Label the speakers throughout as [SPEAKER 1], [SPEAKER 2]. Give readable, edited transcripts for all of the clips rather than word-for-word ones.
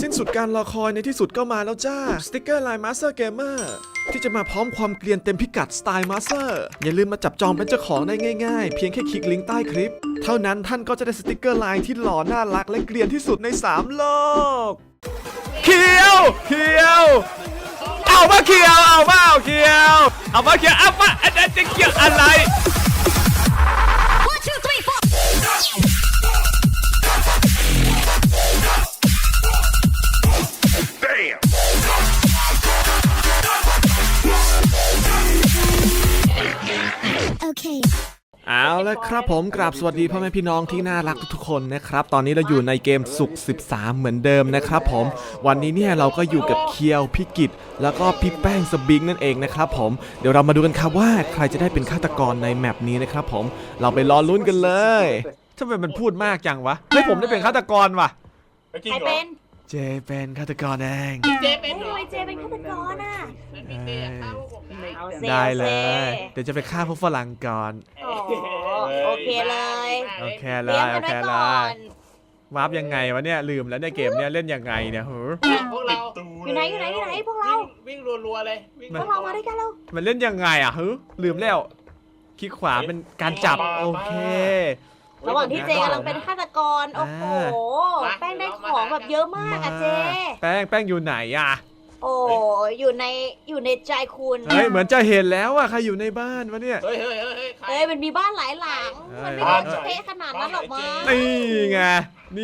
[SPEAKER 1] สิ้นสุดการรอคอยในที่สุดก็มาแล้วจ้าสติกเกอร์ลายมาสเตอร์เกมเมอร์ที่จะมาพร้อมความเกรียนเต็มพิกัดสไตล์มาสเตอร์อย่าลืมมาจับจองเป็นเจ้าของได้ง่ายๆเพียงแค่คลิกลิงก์ใต้คลิปเท่านั้นท่านก็จะได้สติกเกอร์ลายที่หล่อน่ารักและเกรียนที่สุดใน3โลกเคียวเอามาเคียวเอามาเคียวเอามาเคียวเอามาอันนั้นจะเกี่ยวอะไร เอาละครับผมกราบสวัสดีพ่อแม่พี่น้องที่น่ารักทุกๆคนนะครับตอนนี้เราอยู่ในเกมสุข13เหมือนเดิมนะครับผมวันนี้เนี่ยเราก็อยู่กับเคียวพี่กิตแล้วก็พี่แป้งสบิงนั่นเองนะครับผมเดี๋ยวเรามาดูกันครับว่าใครจะได้เป็นฆาตกรในแมปนี้นะครับผมเราไปรอลุ้นกันเลยทำไมมันพูดมากจังวะเฮ้ยผมได้เป็นฆาตกรว่ะ
[SPEAKER 2] ใครเป็น
[SPEAKER 1] เจเป็นฆาตกรเอง
[SPEAKER 2] เจเป็นทำไมเจเป็นฆาตกรอ่ะ
[SPEAKER 1] ได้เลยเดี๋ยวจะไปฆ่าพวกฝรั่งก่อน
[SPEAKER 2] โอเคเลย
[SPEAKER 1] โอเคเลยวาร์ปยังไงวะเนี่ยลืมแล้วเนี่ยเกมเนี่ยเล่นยังไงเนี่ย
[SPEAKER 2] พวกเราอยู่ไหนพวกเราวิ่งรัวๆเลยพวกเรามาด้วยกันเรา
[SPEAKER 1] มันเล่นยังไงอ่ะลืมแล้วคลิกขวาเป็นการจับโอเค
[SPEAKER 2] ระหว่างที่เจกำลังเป็นฆาตกรโอ้โหแป้งได้ของแบบเยอะมากอะเจ
[SPEAKER 1] แป้งอยู่ไหนอ่ะ
[SPEAKER 2] โอ้อยู่ในใจคุณ
[SPEAKER 1] เฮ้ยเหมือนจะเห็นแล้วอะใครอยู่ในบ้านวะเนี่ย
[SPEAKER 2] เฮ้ยมันมีบ้านหลายหลังมันไม่ได้เท่ขนาดนั้นหรอกมั้ง
[SPEAKER 1] นี่ไงเ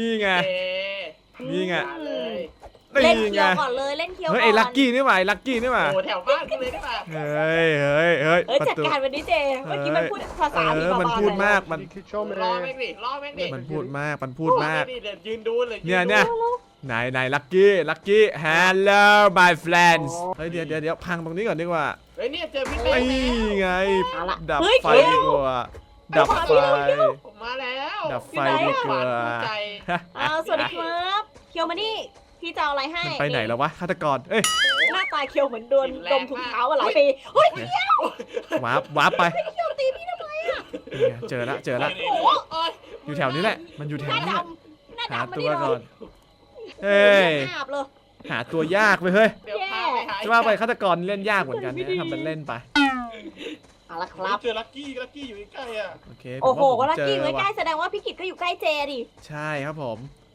[SPEAKER 2] ล่นเคียวก่อนเลยเล่นเคียวก่อน
[SPEAKER 1] เฮ้ยไอ้ลักกี้นี่หว่า
[SPEAKER 2] โอ้แถวบ้านกันเลยนี่หว่า
[SPEAKER 1] เฮ้ย
[SPEAKER 2] จัดการวันนี้เจเมื่อกี้มันพูดภาษาผีบ้าๆ
[SPEAKER 1] มันพูดมากมัน
[SPEAKER 2] รอแม่งดิ
[SPEAKER 1] มันพูดมาก
[SPEAKER 2] ยืนดูเลย
[SPEAKER 1] เนี่ยไหนลักกี้ hello my friends เฮ้ยเดี๋ยวพังตรงนี้ก่อนดีกว่า
[SPEAKER 2] เฮ้ยเนี่ยเจอพี่เป้
[SPEAKER 1] ไงดับไฟดีกว่าดับไฟ
[SPEAKER 2] ผมมาแล้ว
[SPEAKER 1] ดับไฟดีกว่า
[SPEAKER 2] สวัสดีครับเคียวมานี่พี่จะเอาอะไรให้
[SPEAKER 1] ไปไหนแล้ววะฆาตกรเอ้ย
[SPEAKER 2] หน้าตาเคียวเหมือนโดนดมถุงเท้าหลายปีเฮ้ยเคียว
[SPEAKER 1] วาร์ปไป
[SPEAKER 2] เคียวตีพี่ทำไมอ่ะ
[SPEAKER 1] เจอละอยู่แถวนี้แหละมันอยู่แถวนี้หาตัวก่อนเฮ้ยหาตัวยากไปเฮ้ยจะว่าไปฆาตกรเล่นยากเหมือนกันเนี่ยทำเป็นเล่นไป
[SPEAKER 2] เอาละครับ
[SPEAKER 3] เจอลักกี้อยู่ใกล้อ่ะ
[SPEAKER 2] โอ้โหลักกี้อยู่ใกล้แสดงว่าพี่กิตก็อยู่ใกล้เจดิ
[SPEAKER 1] ใช่ครับผม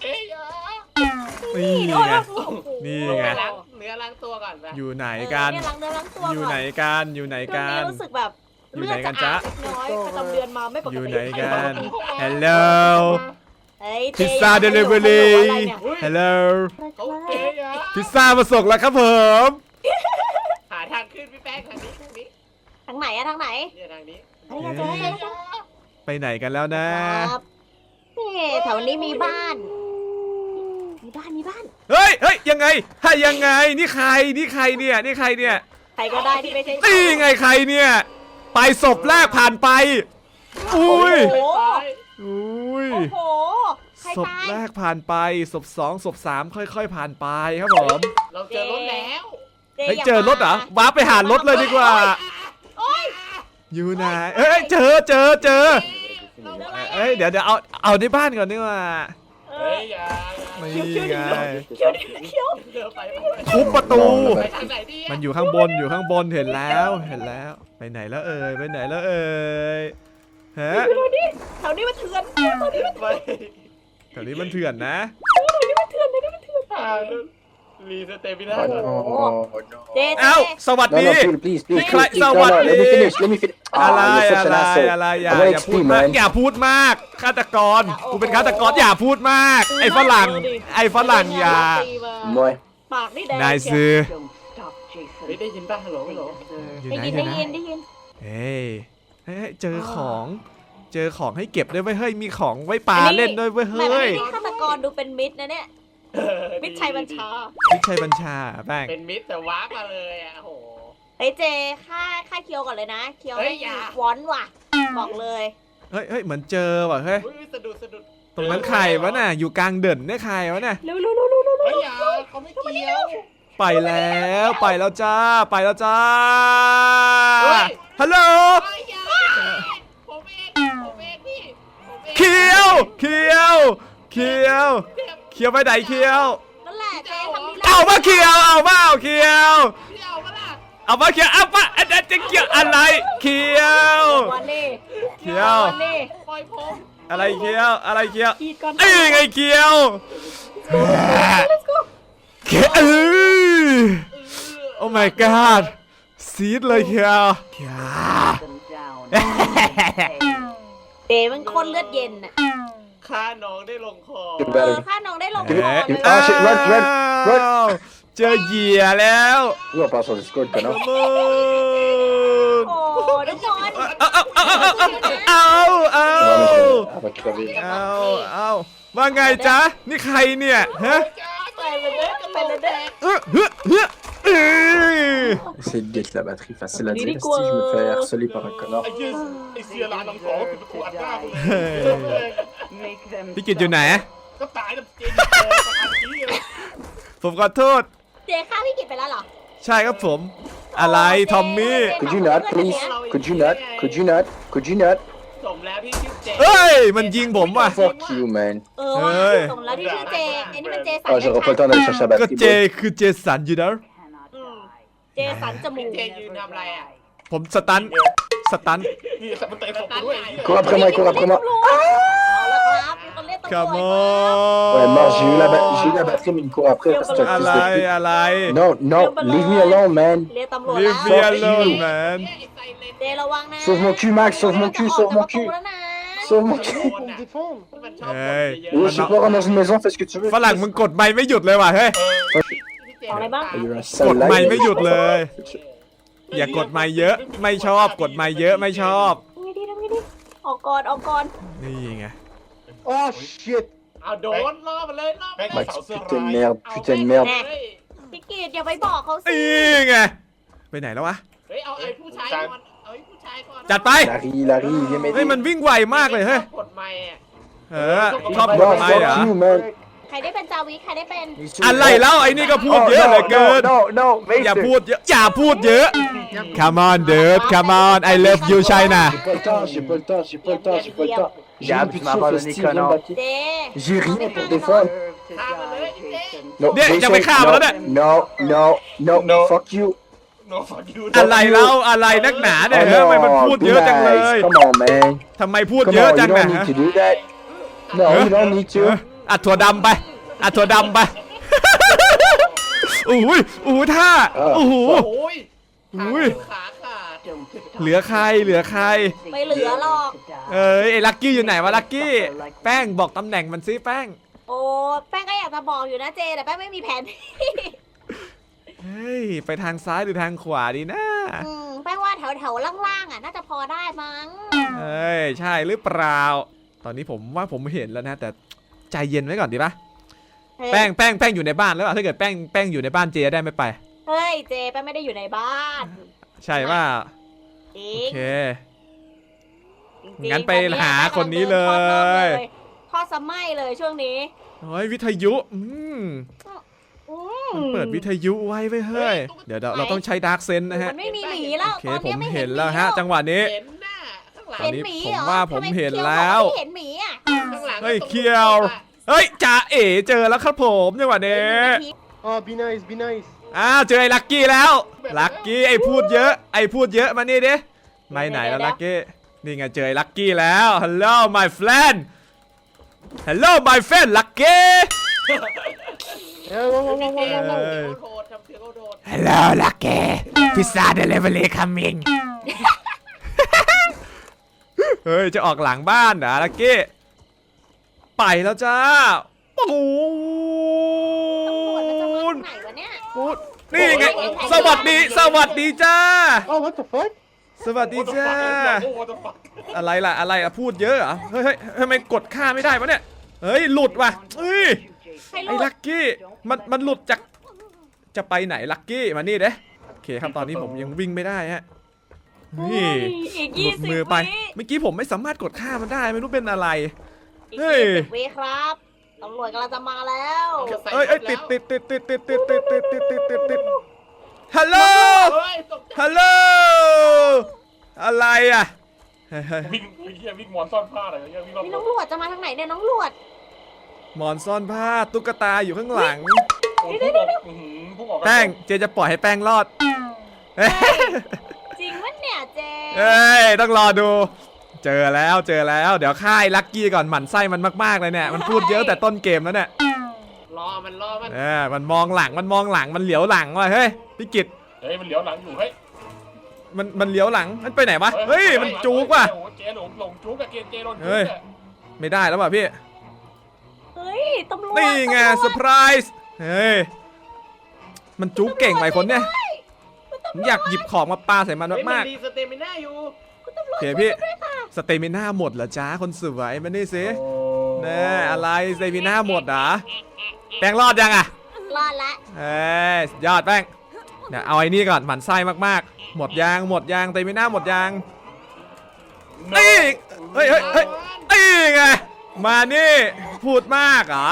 [SPEAKER 2] นี่ไง
[SPEAKER 1] เนื้
[SPEAKER 2] อล้างตัวก่อน
[SPEAKER 1] อยู่ไหนกันอยู่ไหนกัน
[SPEAKER 2] รู้สึกแบบเลือดจะอาบน้อยประจำเดือนมาไม่ปกติ
[SPEAKER 1] อยู่ไหนกัน Hello พิซซ่าเดลิเวอรี่ Hello พิซซ่ามาส่งแล้วครับผม
[SPEAKER 2] หาทางขึ้นพี่แป้งทางนี้ทางไหนอะทางไหนเนี่ยทางนี้
[SPEAKER 1] ไปไหนกันแล้วนะ
[SPEAKER 2] แถวนี้มีบ้าน
[SPEAKER 1] เฮ้ยยังไงนี่ใครเนี่ย
[SPEAKER 2] ใครก็ได้ที่ไม่ใช่
[SPEAKER 1] นี่ไงใครเนี่ยไปศพแรกผ่านไปอุ้ยศพแรกผ่านไปศพ2ศพ3ค่อยๆผ่านไปครับผม
[SPEAKER 2] เราเจอรถแล้ว
[SPEAKER 1] เจอรถเหรอว้าไปหารถเลยดีกว่าอยู่ไหนเจอเดี๋ยวเอาในบ้านก่อนดีกว่าไม่ไงทุบประตูมันอยู่ข้างบนเห็นแล้วไปไหนแล้วเอ่ยฮะ
[SPEAKER 2] แถวนี้มันเถื่อน
[SPEAKER 1] นะ
[SPEAKER 3] รีสเตมิน่า
[SPEAKER 1] เอ้าสวัสดีใครสวัสดีอะไรอย่าพูดมากฆาตกรกูเป็นฆาตกรอย่าพูดมากไอ้ฝรั่งอย่า
[SPEAKER 2] ปากนี่แดง
[SPEAKER 1] นายซื้อ
[SPEAKER 3] ได้ยินป่ะฮัลโหล
[SPEAKER 2] ได้ยิน
[SPEAKER 1] เฮ้ยเจอของให้เก็บด้วยเว้ยเฮ้ยมีของไว้ปาเล่นด้วยเว้ยเฮ้ย
[SPEAKER 2] ฆาตกรดูเป็นมิตรนะเนี่ยมิตรชัยบัญชา
[SPEAKER 1] แป้ง
[SPEAKER 3] เป็นมิตรแต่วาร์ปมาเลยอ่ะโห
[SPEAKER 2] เฮ้ยเจค่าเคียวก่อนเลยนะเคียวให้วอนว่ะบอกเลย
[SPEAKER 1] เฮ้ยเหมือนเจอว่ะเฮ้ย
[SPEAKER 3] สะดุด
[SPEAKER 1] ตรงนั้นใครวะน่ะอยู่กลางเดินเนี่ยใครวะน่ะ
[SPEAKER 2] เร็ว
[SPEAKER 3] เขาไม่เกี่ยว
[SPEAKER 1] ไปแล้วจ้าฮัลโหล
[SPEAKER 3] ผมเองพี่
[SPEAKER 1] เคียวไปไหนเคียว
[SPEAKER 2] นั่นแหละเจ๊
[SPEAKER 1] เอามาเคียวเอามาเอาเคียว
[SPEAKER 3] พี่เอาปะล่ะ
[SPEAKER 1] เอามาเคียวเอามาอันจะเกี่ยวอะไรเคียว
[SPEAKER 2] วันนี้
[SPEAKER 1] เคียว
[SPEAKER 2] วันนี้
[SPEAKER 3] ปล่อยผม
[SPEAKER 1] อะไรเคียวอะไรเคียว
[SPEAKER 2] ขีดก่อน
[SPEAKER 1] ไอ้ไงเคียวเคียวโอ้ my god ซีดเลยเคียวเคียว
[SPEAKER 2] เจมันคนเลือดเย็นน่ะ
[SPEAKER 3] ฆ่าน้องได้ลงคอ
[SPEAKER 2] ข้าน้องได้ลงค
[SPEAKER 1] เอ๊ะ
[SPEAKER 2] อเลย
[SPEAKER 1] อ้า
[SPEAKER 4] shit, run, run, run
[SPEAKER 1] วเจอเหยื่อแล้ว
[SPEAKER 4] Nous on part sur Discord, connard.
[SPEAKER 1] โอ้
[SPEAKER 2] โอ้ทุกคน
[SPEAKER 1] เอา
[SPEAKER 4] On va crever.
[SPEAKER 1] เอาว่าไงจ๊ะนี่ใครเนี่ยฮะ
[SPEAKER 2] ไปเลยเด้อไปเลยเด้อ
[SPEAKER 4] Essaye de get la batterie facile à dire. Si je me fais harceler par un connard.
[SPEAKER 3] ไอ้เสียร้านน้องสองปิดประตูอัดหน้ากูเลย
[SPEAKER 1] พี่กิตอยู่ไหน
[SPEAKER 3] ก็ตายแบบเจนโตกับอันนี้เลย
[SPEAKER 1] ผมขอโทษ
[SPEAKER 2] เจฆ่าพี่กิตไปแล้วเหรอ
[SPEAKER 1] ใช่ครับผม อะไรทอมมี่
[SPEAKER 4] Could you not, please? Could you not? Could you not? Could you not?
[SPEAKER 3] สมแล้วที่ชื่อเจ
[SPEAKER 1] เฮ้ย มันยิงผมว่ะ
[SPEAKER 4] Fuck you, man.
[SPEAKER 2] ว่ะ
[SPEAKER 1] เฮ้ย
[SPEAKER 2] สมแล้วที่ชื่อเจไอ้นี่มันเจสัน
[SPEAKER 4] Oh, j'aurai pas le temps d'aller chercher la
[SPEAKER 1] ก็
[SPEAKER 4] batterie.
[SPEAKER 1] เจ
[SPEAKER 4] boy.
[SPEAKER 1] คือเจสันอยู่นะ
[SPEAKER 2] อืมเจสันจมูก
[SPEAKER 3] เจยืนทำอะไรอ่ะ
[SPEAKER 1] ผมสตัน
[SPEAKER 3] นี่สับมันเตะศพกูด้วย
[SPEAKER 4] Cours après moi, cours après moi.
[SPEAKER 2] เอาละครับมีคนเรียกตำรวจ
[SPEAKER 1] Come
[SPEAKER 2] มา
[SPEAKER 1] on
[SPEAKER 4] Ouais, mort, j'ai eu la batterie, mais il me court après. C'est un
[SPEAKER 1] อะไร
[SPEAKER 4] fils de pute.
[SPEAKER 1] อะไร
[SPEAKER 4] Non, non, leave me alone, man.
[SPEAKER 2] เรียกตำรวจ
[SPEAKER 1] Leave
[SPEAKER 2] แล้ว
[SPEAKER 1] me alone man
[SPEAKER 2] เจระวังนะ
[SPEAKER 4] Sauve mon cul, Max, sauve mon cul, sauve mon cul.
[SPEAKER 2] แล้วนะ
[SPEAKER 4] Sauve mon cul.
[SPEAKER 3] มันชอบ
[SPEAKER 1] เฮ้ย
[SPEAKER 4] Oui, je sais pas, rentre dans une maison, fais ce que tu veux.
[SPEAKER 1] ฝรั่งมึงกดไม่หยุดเลยว่ะเฮ้ย
[SPEAKER 2] ของอะไรบ้าง
[SPEAKER 4] Il y a eu un
[SPEAKER 1] ก
[SPEAKER 4] sale
[SPEAKER 1] ดไม่
[SPEAKER 4] lag.
[SPEAKER 1] ไม่หยุดเลย อย่ากดไม่เยอะ ไม่ชอบ กดไม่เยอะไม่ชอบ
[SPEAKER 2] ทำไงดีออกก่อนออกก่อน
[SPEAKER 1] นี่ไง
[SPEAKER 4] Oh, shit.
[SPEAKER 3] เอาโดนล่อมันเลยล่อมันเลย
[SPEAKER 4] Max, putain de merde, putain de merde.
[SPEAKER 2] พี่กิตอย่าไปบอกเขาสิ
[SPEAKER 1] นี่ไง ไปไหนแล้ววะ
[SPEAKER 3] เฮ้ยเอาไอ้ผู้ชายก่อนเอาไอ้ผู้ชายก่อน
[SPEAKER 1] จัดไป
[SPEAKER 4] Il arrive, il vient
[SPEAKER 1] เฮ้ย
[SPEAKER 4] m'aider.
[SPEAKER 1] มันวิ่งไวมากเลยเฮ้ย
[SPEAKER 3] กดไม่อ่ะ
[SPEAKER 1] เออชอบกด
[SPEAKER 4] Non,
[SPEAKER 1] ไม่
[SPEAKER 4] fuck
[SPEAKER 1] เหรอ
[SPEAKER 4] you, man.
[SPEAKER 2] ใครได้เป็นจาวิใครได้เป็น
[SPEAKER 1] อะไรแล้วไอ้นี่ก็พูด
[SPEAKER 4] Oh,
[SPEAKER 1] เยอะเหลือ
[SPEAKER 4] no,
[SPEAKER 1] เกิน
[SPEAKER 4] no, no, no,
[SPEAKER 1] อย่า
[SPEAKER 4] Mason.
[SPEAKER 1] พูดเยอะ อย่าพูดเยอะ Come on dude Come on I love you China
[SPEAKER 4] J'ai pas le temps, j'ai pas le temps, j'ai pas le temps, j'ai pas le temps. J'ai
[SPEAKER 5] Gab,
[SPEAKER 4] un plus
[SPEAKER 5] tu
[SPEAKER 4] de
[SPEAKER 5] m'as
[SPEAKER 4] souffle,
[SPEAKER 5] abandonné,
[SPEAKER 4] Steve, viens me
[SPEAKER 5] connard.
[SPEAKER 4] baquer.
[SPEAKER 2] เจ
[SPEAKER 4] J'ai rien pour défendre.
[SPEAKER 3] ฆ่ามันเลยไอ้เจ๊
[SPEAKER 4] Non,
[SPEAKER 1] เนี่ย
[SPEAKER 4] Jason,
[SPEAKER 1] จะไปฆ่ามันแล้วเนี่ย
[SPEAKER 4] no, no, no, no, fuck you.
[SPEAKER 3] โน้ฟังยู
[SPEAKER 1] อะไรแล้วอะไรนักหนาเนี่ย
[SPEAKER 4] Oh
[SPEAKER 1] เฮ้ยทำไมมัน
[SPEAKER 4] no,
[SPEAKER 1] พูด
[SPEAKER 4] be
[SPEAKER 1] เยอะจังเลย
[SPEAKER 4] nice. Come on, man.
[SPEAKER 1] ทำไมพูด
[SPEAKER 4] Come
[SPEAKER 1] เยอะ
[SPEAKER 4] on,
[SPEAKER 1] จั
[SPEAKER 4] you
[SPEAKER 1] งนะ
[SPEAKER 4] don't need to do that. No, you don't need
[SPEAKER 1] เออ
[SPEAKER 4] to.
[SPEAKER 1] อัดถั่วดำไปอัดถั่วดำไปอุ้ยอุ้ยท่าโอ้โห
[SPEAKER 3] โอ้ย
[SPEAKER 1] อุ้ย
[SPEAKER 3] ขาขาด
[SPEAKER 1] เหลือใครเหลือใคร
[SPEAKER 2] ไม่เหลือหรอก
[SPEAKER 1] เอ้ยไอ้ลักกี้อยู่ไหนวะลักกี้แป้งบอกตำแหน่งมันซิแป้ง
[SPEAKER 2] โอ้แป้งก็อยากจะบอกอยู่นะเจแต่แป้งไม่มีแผนที่
[SPEAKER 1] เฮ้ยไปทางซ้ายหรือทางขวาดีนะ
[SPEAKER 2] แป้งว่าแถวล่างๆอ่ะน่าจะพอได้มั้ง
[SPEAKER 1] เอ้ยใช่หรือเปล่าตอนนี้ผมว่าผมเห็นแล้วนะแต่ใจเย็นไว้ก่อนดีปะแป้งอยู่ในบ้านแล้วถ้าเกิดแป้งอยู่ในบ้านเจได้ไม่ไป
[SPEAKER 2] เฮ้ยเจแป้งไม่ได้อยู่ในบ้าน
[SPEAKER 1] ใช่ว่า
[SPEAKER 2] จริ
[SPEAKER 1] โอง เค
[SPEAKER 2] จริงๆ
[SPEAKER 1] งั้นไปหาคนนี้เลย
[SPEAKER 2] ทอดสมัยเลยช่วงนี้
[SPEAKER 1] เฮ้ยวิทยุมันเปิดวิทยุไว้ไว้เฮ้ยเดี๋ยวเราต้องใช้ดาร์กเซนนะฮะ
[SPEAKER 2] มันไม่มีหมีแล้ว
[SPEAKER 1] โอเค
[SPEAKER 2] ตอน
[SPEAKER 1] ผ
[SPEAKER 2] นี้
[SPEAKER 1] ม
[SPEAKER 2] ไม่
[SPEAKER 1] เห็
[SPEAKER 2] เห็
[SPEAKER 1] น
[SPEAKER 2] น
[SPEAKER 1] แล้วฮะจังหวะนี้
[SPEAKER 3] เห็นหน้าข้างหลัง
[SPEAKER 1] ตอนนี้
[SPEAKER 2] หมี
[SPEAKER 1] ผม
[SPEAKER 2] เหรอ
[SPEAKER 1] ว่าผม
[SPEAKER 2] ทำไ
[SPEAKER 1] เห็น
[SPEAKER 2] คี้ย
[SPEAKER 1] แล้ว
[SPEAKER 2] บอกาไม่เห็นหมีอ่ะ
[SPEAKER 3] ข้างหลัง
[SPEAKER 1] เฮ้ยเคียวเฮ้ยจ่าเอ๋เจอแล้วครับผมจังหวะนี้
[SPEAKER 5] Oh, be nice, be nice.
[SPEAKER 1] เจอไอ้ลักกี้แล้วลักกี้ไอ้พูดเยอะมานี่ดิไม่ไหนแล้วลักกี้นี่ไงเจอไอ้ลักกี้แล้ว Hello my friend Hello my friend ลักกี้
[SPEAKER 3] โทษทำเสียงโดด
[SPEAKER 1] Hello lucky pizza delivery coming เฮ้ยจะออกหลังบ้านเหรอลักกี้ไปแล้วจ้าปู
[SPEAKER 2] ตำรวจมันจะมา
[SPEAKER 1] น
[SPEAKER 2] ทางไหนวะเนี่ย
[SPEAKER 1] ปูนนี่ไงสวัสดีจ้า
[SPEAKER 5] Oh, what the fuck?
[SPEAKER 1] สวัสดีจ้าอะไรล่ะพูดเยอะเหรอเฮ้ยทำไมกดค่าไม่ได้วะเนี่ยเฮ้ยหลุดว่ะเฮ้ย
[SPEAKER 2] ใคร
[SPEAKER 1] ไอ้
[SPEAKER 2] รู้
[SPEAKER 1] ลักกี้มันหลุดจากจะไปไหนลักกี้มานี่เด้โอเคครับตอนนี้ผมยังวิ่งไม่ได้ฮะนี่
[SPEAKER 2] อีก
[SPEAKER 1] หลุด
[SPEAKER 2] 20
[SPEAKER 1] มือไป
[SPEAKER 2] วิ
[SPEAKER 1] เมื่อกี้ผมไม่สามารถกดค่ามันได้ไม่รู้เป็นอะไร
[SPEAKER 2] อีก
[SPEAKER 1] เฮ้ย
[SPEAKER 2] 20 วิครับตำรวจกำลังจะมาแล้ว
[SPEAKER 1] เอ้ยติดฮัลโหล
[SPEAKER 3] เฮ้ยตกใจ
[SPEAKER 1] ฮัลโหลอะไรอ่ะเฮ้ย
[SPEAKER 6] วิ่งวิ่งมอนซ่อนผ้าอะไรเงี้ยวิ่งรอบ
[SPEAKER 2] นี่น้องหลวดจะมาทางไหนเนี่ยน้องหลวด
[SPEAKER 1] หมอนซ่อนผ้าตุ๊กตาอยู่ข้างหลัง
[SPEAKER 6] โอ้โหบอก
[SPEAKER 1] แป้งเจจะปล่อยให้แป้งรอดเอ้ย
[SPEAKER 2] จริงวะเนี่ยเจ
[SPEAKER 1] เอ้ยต้องรอดู เจอแล้วเดี๋ยวค่ายลักกี้ก่อนหมั่นไส้มันมากๆเลยเนี่ยมันพูดเยอะแต่ต้นเกมแล้วเนี่ย
[SPEAKER 3] รอมัน
[SPEAKER 1] มันมองหลังมันเหลียวหลังว่ะเฮ้ยพี่กิต
[SPEAKER 6] เฮ้ยมันเหลียวหลังอยู่เฮ้ย
[SPEAKER 1] มันเหลียวหลังมันไปไหนวะเฮ้ยมันจูกว่ะ
[SPEAKER 6] โอ้โหเจหลงจูกกับเจโดนจู
[SPEAKER 1] เฮ้ย
[SPEAKER 6] กอะ
[SPEAKER 1] ไม่ได้แล้วว่ะพี่
[SPEAKER 2] เฮ้ยตำรวจ
[SPEAKER 1] นี่ไง
[SPEAKER 2] ตำรวจ
[SPEAKER 1] เซอร์ไพรส์เฮ้ยมันจูกเก่งไปคนเนี่ยผมอยากหยิบของมาปาใส่มันมาก
[SPEAKER 3] ดีสเตมิน่าอยู่
[SPEAKER 1] ๆโอเคพี่สเตมิน่าหมดเหรอจ้าคนสวยมานี่สิแน่อะไรสเตมิน่าหมดเหรอแป้งรอดยังอ่ะ
[SPEAKER 2] รอดละ
[SPEAKER 1] เอ้ยสุดยอดแป้งเดี๋ยวเอาไอ้นี่ก่อนหมั่นไส้มากๆหมดยางสเตมิน่าหมดยางนี่เฮ้ยนี่ไงมานี่พูดมากเหรอ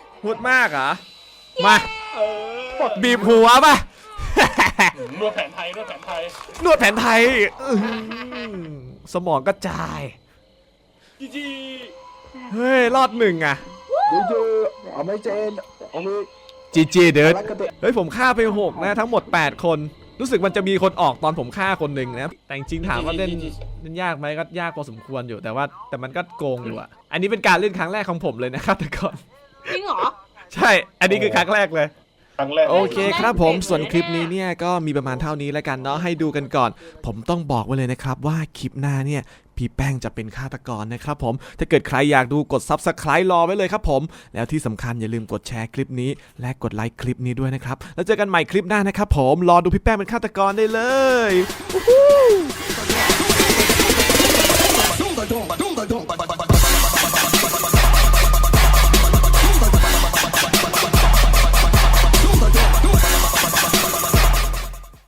[SPEAKER 1] มาบีบหัวป่ะ
[SPEAKER 6] นวดแผนไทย
[SPEAKER 1] นวดแผนไทยอื้อหือสมองกระจาย
[SPEAKER 6] จีจี
[SPEAKER 1] เฮ้ยรอดหนึ่งอ่ะ
[SPEAKER 4] Dégueu. Amazing. On est.
[SPEAKER 1] จีเดิร์ด
[SPEAKER 4] À côté.
[SPEAKER 1] เฮ้ยผมฆ่าไป6นะทั้งหมด8คนรู้สึกมันจะมีคนออกตอนผมฆ่าคนหนึ่งนะแต่จริงๆถามว่าเล่นยากไหมก็ยากพอสมควรอยู่แต่มันก็โกงอยู่อ่ะอันนี้เป็นการเล่นครั้งแรกของผมเลยนะครับแต่ก่อน
[SPEAKER 2] จริงเหรอ
[SPEAKER 1] ใช่อันนี้คือครั้งแรกเลย
[SPEAKER 6] ครั้งแรก
[SPEAKER 1] โอเคครับผมส่วนคลิปนี้เนี่ยก็มีประมาณเท่านี้แล้วกันเนาะให้ดูกันก่อน ผมต้องบอกไว้เลยนะครับว่าคลิปหน้าเนี่ยพี่แป้งจะเป็นฆาตกรนะครับผมถ้าเกิดใครอยากดูกด Subscribe รอไว้เลยครับผมแล้วที่สำคัญอย่าลืมกดแชร์คลิปนี้และกดไลค์คลิปนี้ด้วยนะครับแล้วเจอกันใหม่คลิปหน้านะครับผมรอดูพี่แป้งเป็นฆาตกรได้เลย
[SPEAKER 7] Dum, dum, dum, dum, dum, dum, dum, dum.